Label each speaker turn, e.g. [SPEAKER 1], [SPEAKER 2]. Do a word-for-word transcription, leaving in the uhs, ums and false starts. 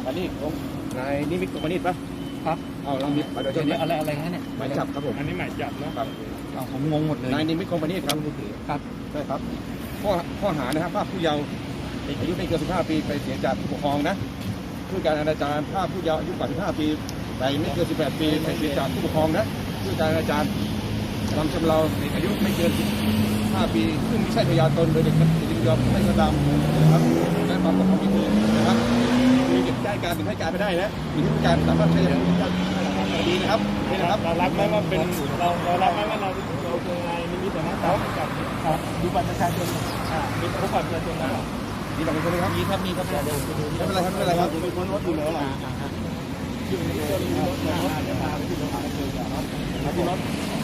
[SPEAKER 1] อันนี้ของนายนิมิตของมณิตปะครับเอาเรามีมาโดยเฉพาะอะไรอะไรเนี่ยหมายจับครับผมอันนี้หมายจับนะครับผมงงหมดเลยนายนิมิตของมณิตครับครับใช่ครับข้อข้อหานะครับภาพผู้เยาว์อายุไม่เกินสิบห้าปีไปเสียจากผู้ปกครองนะผู้การอนาจารภาพผู้เยาว์อายุกว่าสิบห้าปีแต่ไม่เกินสิบแปดปีไปเสียจากผู้ปกครองนะผู้การอนาจารทำชำเราอายุไม่เกินห้าปีซึ่งไม่ใช่พยานตนโดยเด็กมันจะยอมให้กระทำนะครับและความปกครองมีคืนนะครับมีเก็บได้การถึงให้การไม่ได้นะมีที่การสามารถใช้ได้ดีนะครับนี่นะครับเรารับไหมว่าเป็นเราเรารับไหมว่าเราเราเป็นนายนิมิตนะครับครับดูบัตรประชาชนอ่ามีบัตรประชาชนนะมีบัตรประชาชนครับมีครับมีครับไม่เป็นไรครับไม่เป็นไรครับเป็นคนรถอยู่แล้วล่ะอยู่ในรถรถรถเดี๋ยวพาไปที่โรงพยาบาลเลยครับที่รถ